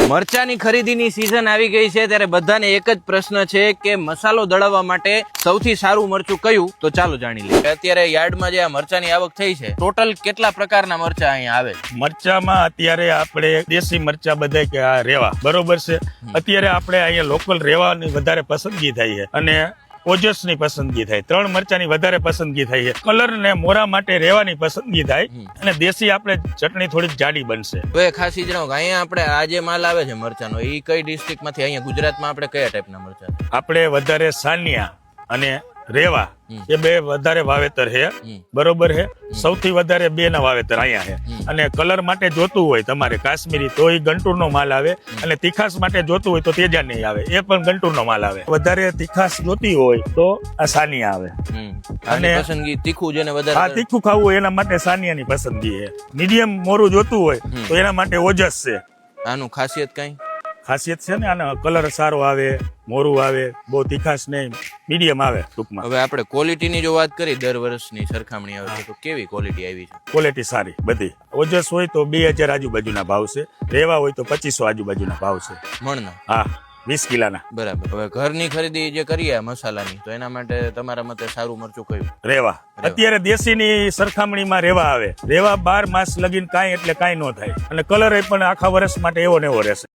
મરચાની ખરીદીની સીઝન આવી ગઈ છે ત્યારે બધાને એક જ પ્રશ્ન છે કે મસાલો દળવવા માટે સૌથી સારું મરચું કયું, તો ચાલો જાણી લઈએ. અત્યારે યાર્ડમાં જે આ મરચાની આવક થઈ છે, ટોટલ કેટલા પ્રકારના મરચા અહીંયા આવે છે? મરચામાં અત્યારે આપણે દેશી મરચા બધા કે આ રેવા બરોબર છે. અત્યારે આપણે અહીંયા લોકલ રેવાની વધારે પસંદગી થાય છે અને ઓજસ ની પસંદગી થાય. 3 મરચાની વધારે પસંદગી થાય છે. કલર ને મોરા માટે રેવાની પસંદગી થાય અને દેશી આપણે ચટણી થોડીક જાડી બનશે. તો એ ખાસ જણાવો કે અહીંયા આપણે આ જે માલ આવે છે મરચાનો, એ કઈ ડિસ્ટ્રિક્ટ માંથી, અહીંયા ગુજરાતમાં આપણે કયા ટાઈપના મરચા? આપણે વધારે સાનિયા અને રેવા એ બે વધારે વાવેતર છે બરોબર છે. સૌથી વધારે 2 ના વાવેતર અહીંયા છે. અને કલર માટે જોતું હોય તમારે કાશ્મીરી તો એ ગંટુર નો માલ આવે, અને તીખાસ માટે જોતું હોય તો તેજા નહીં આવે, એ પણ ગંટુર નો માલ આવે. વધારે તીખાસ જોતી હોય તો આ સાનિયા આવે. અને પસંદગી તીખું જેને વધારે, આ તીખું ખાવું હોય એના માટે સાનિયાની પસંદગી છે. મીડિયમ મોરું જોતું હોય તો એના માટે ઓજસ છે. આનું ખાસિયત કઈ? ખાસિયત છે ને, આનો કલર સારો આવે, મોરું આવે, બહુ તીખાશ નહીં, મીડિયમ આવે ટૂંકમાં. હવે આપણે ક્વોલિટીની જો વાત કરી, દર વર્ષની સરખામણી આવે તો કેવી ક્વોલિટી આવી છે? ક્વોલિટી સારી બધી. ઓજસ હોય તો 2000 આજુબાજુના ભાવ છે, રેવા હોય તો 2500 આજુબાજુના ભાવ છે મણના. હા, 20 કિલાના. બરાબર. હવે ઘરની ખરીદી જે કરીએ મસાલાની, તો એના માટે તમારા મતે સારું મરચું કયું? રેવા. અત્યારે દેશીની સરખામણીમાં રેવા આવે. રેવા 12 માસ લગીને કાંઈ એટલે કાંઈ ન થાય, અને કલર પણ આખા વર્ષ માટે એવો ને એવો રહેશે.